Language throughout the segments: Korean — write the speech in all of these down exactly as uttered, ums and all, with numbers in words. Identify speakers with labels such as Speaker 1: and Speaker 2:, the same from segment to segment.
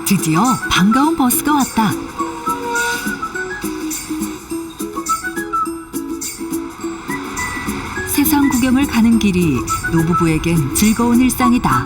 Speaker 1: 드디어 반가운 버스가 왔다. 세상 구경을 가는 길이 노부부에겐 즐거운 일상이다.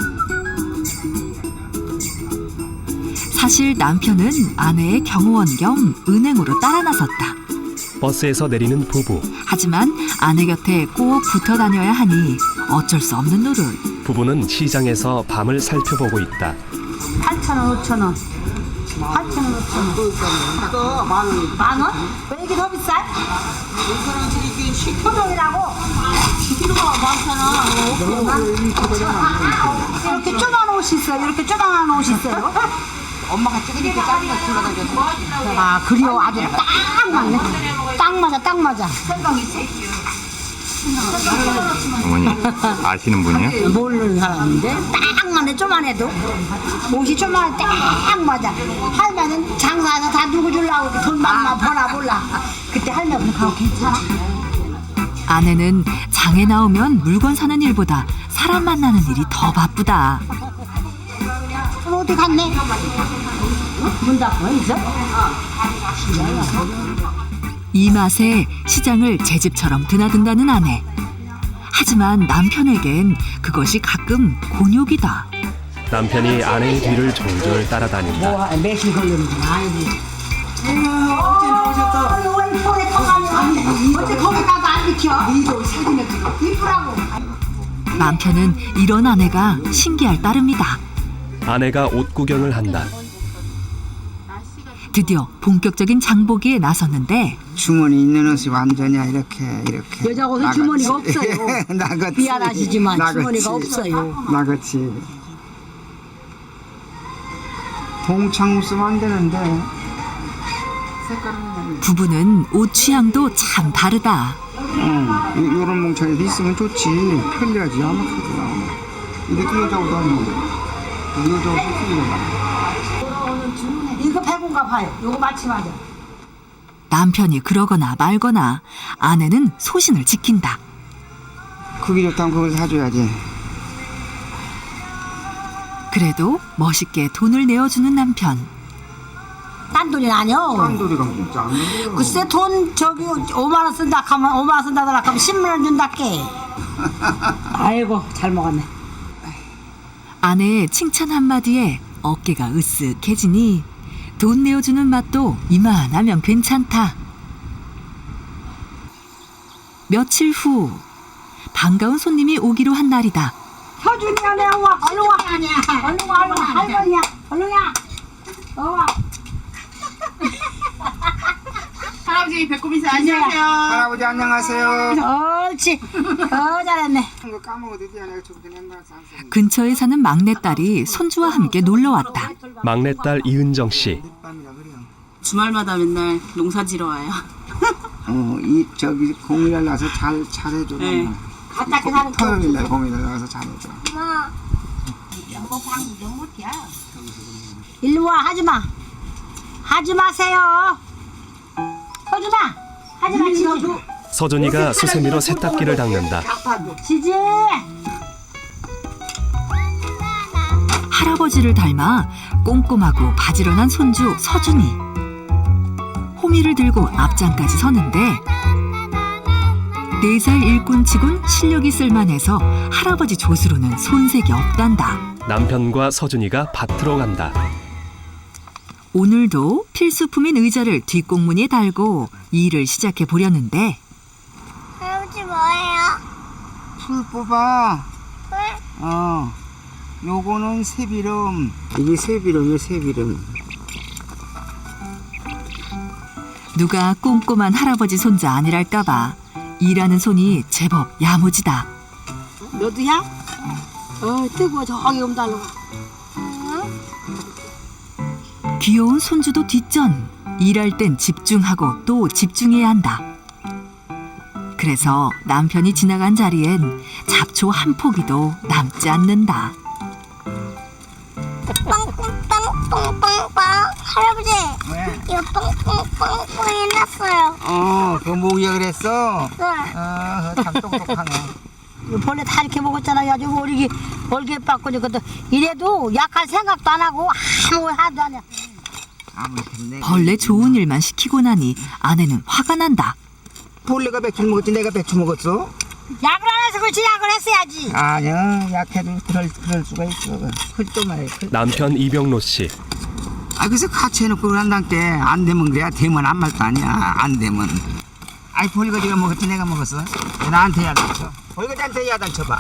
Speaker 1: 사실 남편은 아내의 경호원 겸 은행으로 따라 나섰다.
Speaker 2: 버스에서 내리는 부부.
Speaker 1: 하지만 아내 곁에 꼭 붙어 다녀야 하니 어쩔 수 없는 노릇.
Speaker 2: 부부는 시장에서 밤을 살펴보고 있다.
Speaker 3: 팔천 원, 오천 원. 팔천 원, 오천 원.
Speaker 4: 이거 만 원.
Speaker 3: 만 원? 왜 이렇게 더 비싸?
Speaker 4: 사람들이 이게 십
Speaker 3: 토종이라고?
Speaker 4: 킬로가 많잖아.
Speaker 3: 이렇게 쪼만 옷이 있어요. 이렇게 쪼만한 옷이 있어요.
Speaker 4: 엄마가 찍으니까 작은 거 굴러다녔어.
Speaker 3: 아, 그래요. 아주 딱 맞네. 딱 맞아, 딱 맞아.
Speaker 5: 어머니 아시는 분이요?
Speaker 3: 모르는 사람인데 딱 맞네. 쪼만해도 옷이 쪼만해 딱 맞아. 할머니는 장사해서 다 누구 주려고 돈 많나 버나 몰라. 그때 할머니는 그거 괜찮아?
Speaker 1: 아내는 장에 나오면 물건 사는 일보다 사람 만나는 일이 더 바쁘다.
Speaker 3: 그럼 어디 갔네? 문 닫고 있어?
Speaker 1: 이 맛에 시장을 제 집처럼 드나든다는 아내. 하지만 남편에겐 그것이 가끔 곤욕이다.
Speaker 2: 남편이 아내의 뒤를 졸졸 따라다닌다.
Speaker 3: 뭐 매실 걸리는지 아니지.
Speaker 4: 어제 나오셨다.
Speaker 3: 왜 이번에 터가냐? 어째 거기 가서 안 비켜? 니도 사진을 찍어. 이쁘라고.
Speaker 1: 남편은 이런 아내가 신기할 따름이다.
Speaker 2: 아내가 옷 구경을 한다.
Speaker 1: 드디어 본격적인 장보기에 나섰는데
Speaker 4: 주머니 있는 옷이 완전히 이렇게 이렇게.
Speaker 3: 여자 옷은
Speaker 4: 나같이.
Speaker 3: 주머니가 없어요.
Speaker 4: 나같이.
Speaker 3: 미안하시지만
Speaker 4: 나같이.
Speaker 3: 주머니가 없어요.
Speaker 4: 나같이. 동창 쓰면 안 되는데. 색깔은
Speaker 1: 부부는 옷 취향도 참 다르다.
Speaker 4: 응. 요- 요런 몽창에도 있으면 좋지. 편리하지. 아마 그러더라. 이렇게 여자 옷 아니고. 여자 옷이 쓰기는
Speaker 3: 이거 백원가 봐요. 요거 맞춤하자.
Speaker 1: 남편이 그러거나 말거나 아내는 소신을 지킨다.
Speaker 4: 그게 좋다면 그걸 사줘야지.
Speaker 1: 그래도 멋있게 돈을 내어주는 남편.
Speaker 3: 딴 돈이 아니요.
Speaker 4: 쌍돌이가 진짜 안 돼요.
Speaker 3: 글쎄 돈 저기 오만 원 쓴다 하면 오만 원 쓴다더라 하면 십만 원 준다께. 아이고 잘 먹었네.
Speaker 1: 아내의 칭찬 한마디에 어깨가 으쓱해지니 돈 내어주는 맛도 이만하면 괜찮다. 며칠 후 반가운 손님이 오기로 한 날이다.
Speaker 3: 서준이야 내 와 얼른 와. 얼른 와 얼른 와. 할머니야 얼른 와. 어.
Speaker 6: 할아버지 배꼽 인사 안녕하세요.
Speaker 4: 할아버지 안녕하세요.
Speaker 3: 옳지. 어 잘했네.
Speaker 4: 이거 까먹어도 돼. 내가 좀 그냥 가서 안
Speaker 1: 근처에 사는 막내딸이 손주와 함께 놀러 왔다.
Speaker 2: 막내딸 이은정 씨.
Speaker 4: 늦밤이라 그래요.
Speaker 6: 주말마다 맨날 농사 지러 와요.
Speaker 4: 어, 이 저기 공일날 나서 잘 잘해줘.
Speaker 6: 네.
Speaker 3: 갖다 게 사는 거.
Speaker 4: 토요일 날 공일날 나서 잘해줘.
Speaker 3: 일로 와 하지 마. 하지 마세요. 서준아 하지 마 지지.
Speaker 2: 서준이가 수세미로 세탁기를 닦는다.
Speaker 3: 지지.
Speaker 1: 할아버지를 닮아 꼼꼼하고 바지런한 손주 서준이. 호미를 들고 앞장까지 서는데 네 살 일꾼치곤 실력이 쓸만해서 할아버지 조수로는 손색이 없단다.
Speaker 2: 남편과 서준이가 밭으로 간다.
Speaker 1: 오늘도 필수품인 의자를 뒷공무니에 달고 일을 시작해 보려는데
Speaker 7: 할아버지 뭐예요?
Speaker 4: 풀 뽑아. 어. 요거는 새비름. 이게 새비름이야 새비름.
Speaker 1: 누가 꼼꼼한 할아버지 손자 아니랄까봐 일하는 손이 제법 야무지다.
Speaker 3: 너도야? 어 뜨거워 저기 온달로.
Speaker 1: 귀여운 손주도 뒷전. 일할 땐 집중하고 또 집중해야 한다. 그래서 남편이 지나간 자리엔 잡초 한 포기도 남지 않는다.
Speaker 7: 뻥뻥뻥뻥뻥뻥 할아버지
Speaker 4: 왜?
Speaker 7: 이거 뻥뻥뻥뻥 해놨어요.
Speaker 4: 어, 그거 모으기가 그랬어?
Speaker 7: 네.
Speaker 4: 아, 참 똑똑하네.
Speaker 3: 벌레 다 이렇게 먹었잖아. 아주 얼기 얼개 빠고 그것도 이래도 약할 생각도 안 하고 아무 하도 안 해.
Speaker 1: 벌레 좋은 일만 시키고 나니 아내는 화가 난다.
Speaker 4: 벌레가 백주 먹었지 내가 백주 먹었어?
Speaker 3: 약을 안 해서 그렇지 약을 했어야지.
Speaker 4: 아니야 약해도 그럴, 그럴 수가 있어. 그또 말이야.
Speaker 2: 남편 이병로 씨.
Speaker 4: 아 그래서 같이 해놓고 그런단 게 안 되면 그래야 되면 안 말도 아니야. 안 되면. 아이 벌거지가 먹었지 내가 먹었어? 나한테 야단쳐. 벌거지한테 야단쳐봐.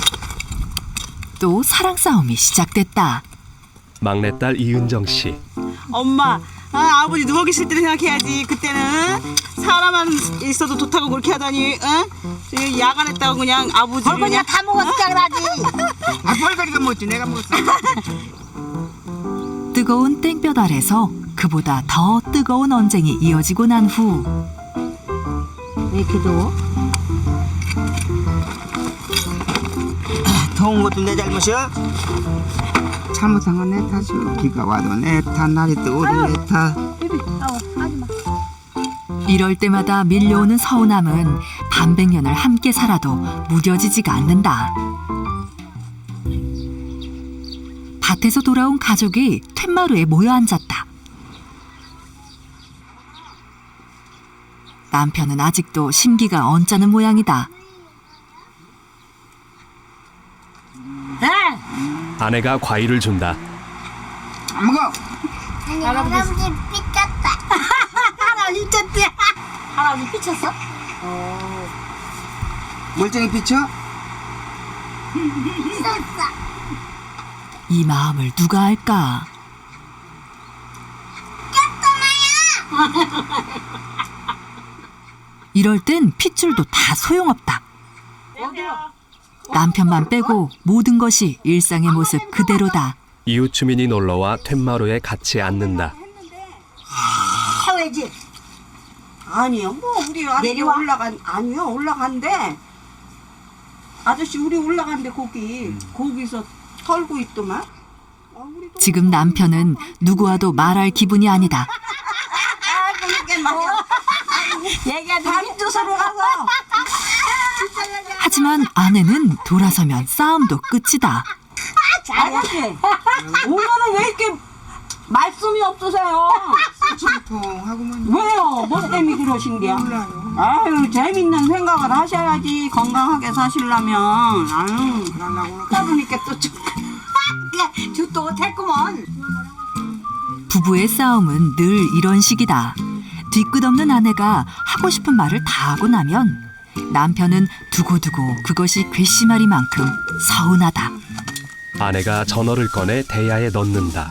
Speaker 1: 또 사랑 싸움이 시작됐다.
Speaker 2: 막내딸 이은정 씨.
Speaker 6: 엄마, 아, 아버지 누워 계실 때를 생각해야지. 그때는 사람만 있어도 좋다고 그렇게 하다니, 응? 지금 야간했다고 그냥 아버지.
Speaker 3: 벌거지가 다 먹었으니까 그러지.
Speaker 4: 아 벌거지가 먹었지 내가 먹었어.
Speaker 1: 뜨거운 땡볕 아래서 그보다 더 뜨거운 언쟁이 이어지고 난 후
Speaker 3: 왜 이렇게 더워?
Speaker 4: 더운 것도 내 잘못이야? 잘못한 건 내 탓이오. 비가 와도 내 탓, 날이 뜨거워도 내 탓.
Speaker 1: 이럴 때마다 밀려오는 서운함은 반백년을 함께 살아도 무뎌지지가 않는다. 밭에서 돌아온 가족이 툇마루에 모여 앉았다. 남편은 아직도 심기가 언짢은 모양이다.
Speaker 3: 네.
Speaker 2: 아내가 과일을 준다.
Speaker 4: 안 먹어.
Speaker 7: 아니 할아버지 삐쳤다.
Speaker 3: 할아버지 삐쳤대. 할아버지 삐쳤어?
Speaker 4: 멀쩡히 비쳐?
Speaker 1: 이 마음을 누가 알까? 이럴 땐 핏줄도 다 소용없다. 남편만 빼고 모든 것이 일상의 모습 그대로다.
Speaker 2: 이웃 주민이 놀러와 툇마루에 같이 앉는다.
Speaker 3: 해외지.
Speaker 6: 아니요, 뭐 우리 아저씨
Speaker 3: 내려와?
Speaker 6: 올라간 아니요 올라간대. 아저씨 우리 올라간대 거기 거기서 털고 있더만.
Speaker 1: 지금 남편은 누구와도 말할 기분이 아니다.
Speaker 3: 얘기하지.
Speaker 6: 다른 주소로 가서.
Speaker 1: 하지만 아내는 돌아서면 싸움도 끝이다.
Speaker 6: 아저씨 오늘은 왜 이렇게 말씀이 없으세요?
Speaker 4: 통하고만
Speaker 6: 왜요? 뭐 때문에 그러신 게야? 아유 재밌는 생각을 하셔야지 건강하게 사시려면. 아유 그러다 보니까 또 좀-
Speaker 3: 죽도 못했구먼.
Speaker 1: 부부의 싸움은 늘 이런 식이다. 뒤끝없는 아내가 하고 싶은 말을 다 하고 나면 남편은 두고두고 그것이 괘씸하리만큼 서운하다.
Speaker 2: 아내가 전어를 꺼내 대야에 넣는다.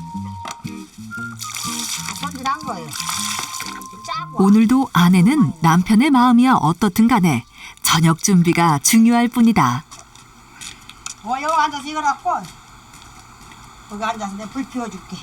Speaker 3: 손질한 거예요.
Speaker 1: 오늘도 아내는 남편의 마음이야 어떻든 간에 저녁 준비가 중요할 뿐이다.
Speaker 3: 어, 여기 앉아서 이거 갖고 여기 앉아서 내가 불 피워줄게.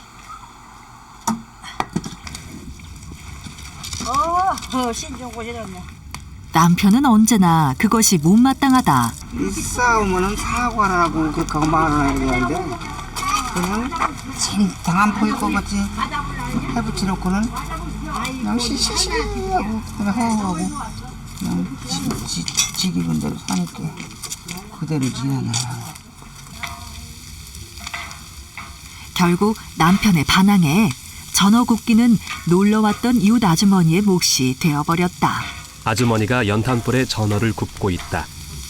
Speaker 3: 어, 어 신종 곳이었네.
Speaker 1: 남편은 언제나 그것이 못마땅하다.
Speaker 4: 이 싸우면은 사과를 하고 그렇게 하고 말을 해야 되는데 그냥 진탕한 포일 것 같지. 해붙이 놓고는 그냥 시시시하고 그냥 허허하고 그냥 지, 지, 지 기분 대로 사니까 그대로 지내나.
Speaker 1: 결국 남편의 반항에 전어 굽기는 놀러왔던 이웃 아주머니의 몫이 되어버렸다.
Speaker 2: 아주머니가 연탄불에 전어를 굽고 있다.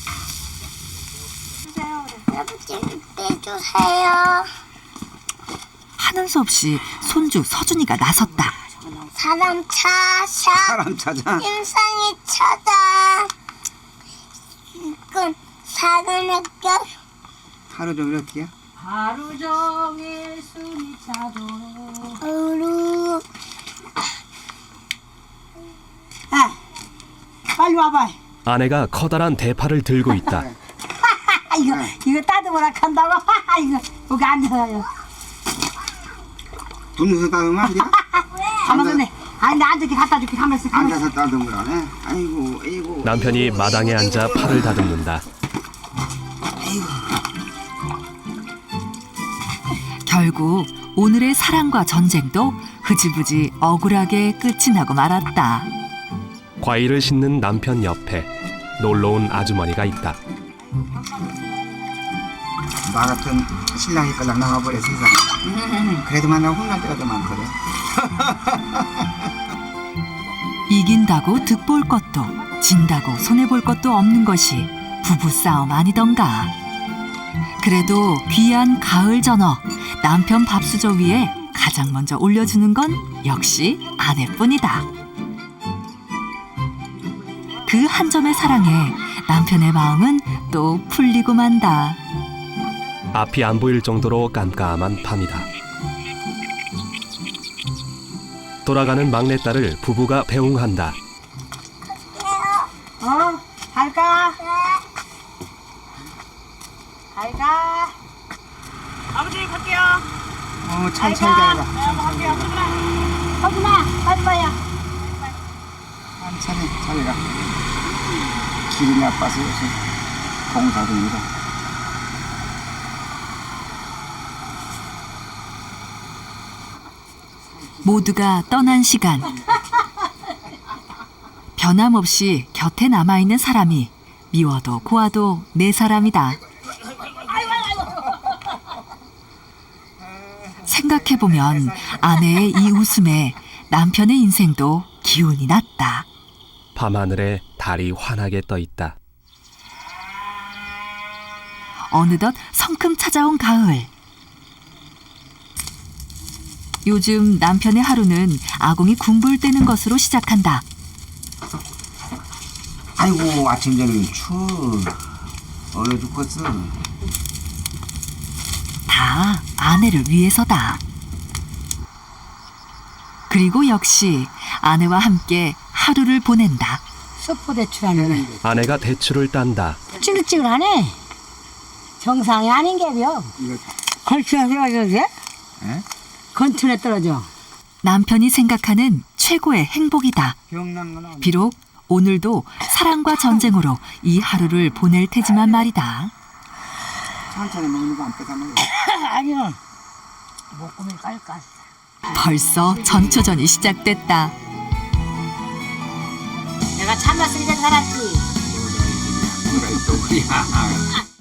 Speaker 7: 할아버지 빼주세요.
Speaker 1: 하는 수 없이 손주 서준이가 나섰다.
Speaker 7: 사람 찾아.
Speaker 4: 사람 찾아.
Speaker 7: 인상이 찾아. 이건 사람의 것.
Speaker 4: 하루 종일 어떻게?
Speaker 3: 하루 종일 숨이 차도.
Speaker 7: 으루.
Speaker 3: 아, 빨리 와봐.
Speaker 2: 아내가 커다란 대파를 들고 있다.
Speaker 3: 아, 이거 이거 따듬으라 한다고. 이거 여기 앉아요.
Speaker 4: 분유서 따르면 안 돼?
Speaker 3: 가만히 네 아니 나 앉을게 갖다 줄게. 가만있어. 가만있어.
Speaker 4: 앉아서 따듬을 하네. 아이고 아이고.
Speaker 2: 남편이
Speaker 4: 아이고,
Speaker 2: 마당에
Speaker 4: 아이고,
Speaker 2: 앉아
Speaker 4: 아이고.
Speaker 2: 팔을 다듬는다.
Speaker 1: 결국 오늘의 사랑과 전쟁도 흐지부지 억울하게 끝이 나고 말았다.
Speaker 2: 과일을 씻는 남편 옆에 놀러온 아주머니가 있다.
Speaker 4: 나 같은 신랑이 끌랑 나와버려 세상에. 그래도 만나 혼날 때가 더 많거든.
Speaker 1: 이긴다고 득볼 것도 진다고 손해볼 것도 없는 것이 부부싸움 아니던가. 그래도 귀한 가을 전어 남편 밥수저 위에 가장 먼저 올려주는 건 역시 아내뿐이다. 그 한 점의 사랑에 남편의 마음은 또 풀리고 만다.
Speaker 2: 앞이 안 보일 정도로 깜깜한 밤이다. 돌아가는 막내딸을 부부가 배웅한다.
Speaker 3: 어? 갈까? 갈까?
Speaker 6: 아버지 갈게요.
Speaker 4: 어, 천천히 가라.
Speaker 3: 서준아, 빨리빨리야.
Speaker 4: 천천히 잘 가. 길이 나빠서 요새 공사 중이다.
Speaker 1: 모두가 떠난 시간. 변함없이 곁에 남아있는 사람이 미워도 고와도 내 사람이다. 생각해보면 아내의 이 웃음에 남편의 인생도 기운이 났다.
Speaker 2: 밤하늘에 달이 환하게 떠 있다.
Speaker 1: 어느덧 성큼 찾아온 가을. 요즘 남편의 하루는 아궁이 군불 떼는 것으로 시작한다.
Speaker 4: 아이고 아침 저녁 추워. 얼어 죽겠어.
Speaker 1: 다 아내를 위해서다. 그리고 역시 아내와 함께 하루를 보낸다.
Speaker 3: 수포 대출하는
Speaker 2: 아내가 대추를 딴다.
Speaker 3: 찌글찌글하네. 정상이 아닌 게요.
Speaker 4: 이거
Speaker 3: 건투에 떨어져도 돼?
Speaker 4: 에?
Speaker 3: 건투에 떨어져.
Speaker 1: 남편이 생각하는 최고의 행복이다.
Speaker 4: 병난 건 아니야.
Speaker 1: 비록 오늘도 사랑과 전쟁으로 이 하루를 보낼 테지만 말이다.
Speaker 4: 천천히 먹는 거 안 빼다 먹어.
Speaker 3: 아니요. 목구멍 깔까.
Speaker 1: 벌써 전초전이 시작됐다.
Speaker 3: 내가 참았으니까 살았지.
Speaker 4: 뭐라 또 그래.